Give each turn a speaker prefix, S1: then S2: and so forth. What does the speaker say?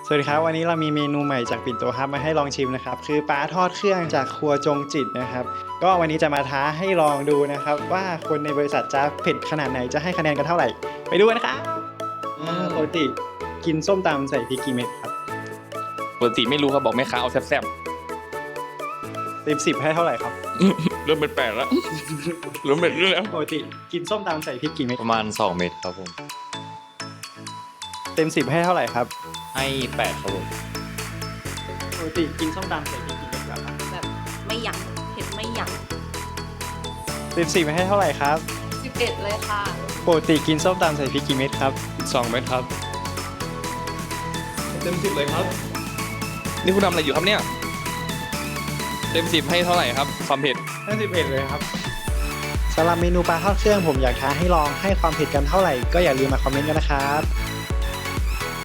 S1: สวัสดีครับวันนี้เรามีเมนูใหม่จากปิ่นโตครับมาให้ลองชิมนะครับคือปลาทอดเครื่องจากครัวจงจิตนะครับก็วันนี้จะมาท้าให้ลองดูนะครับว่าคนในบริษัทจะเผ็ดขนาดไหนจะให้คะแนนกันเท่าไหร่ไปดูกันนะครับปกติกินส้มตำใส่พริกกี่เม็ดครับ
S2: ปกติไม่รู้ครับบอกแม่ค้าเอาแซ่บ
S1: เต็ม10ให้เท่าไหร่ครับ
S2: ๆเริ่มเป็นแปลกแล้วเริ่มเป็นเรื่องแล้ว
S1: ปกติกินส้มตำใส่พริกกี่เม็ด
S3: ประมาณ2เม็ดครับผม
S1: เต็ม10ให้เท่าไหร่ครับ
S3: ให้8ครับผม
S1: ปกติกินส้มตำใส่พริกกี่เม็ดครับ
S4: แบบไม่ยั้งเผ็ดไม่ยั้ง
S1: เต็ม10ให้เท่าไหร่ครับ
S4: 11เลยค่ะ
S1: ปกติกินส้มตำใส่พริกกี่เม็ดครับ
S2: 2 เม็ดครับเต็ม10เลยครับนี่คุณทำอะไรอยู่ครับเนี่ยเต็ม10ให้เท่าไหร่ครับความเผ็ด
S1: ให้10เผ็ดเลยครับสำหรับเมนูปลาทอดเครื่องผมอยากท้าให้ลองให้ความเผ็ดกันเท่าไหร่ก็อย่าลืมมาคอมเมนต์กันนะครับ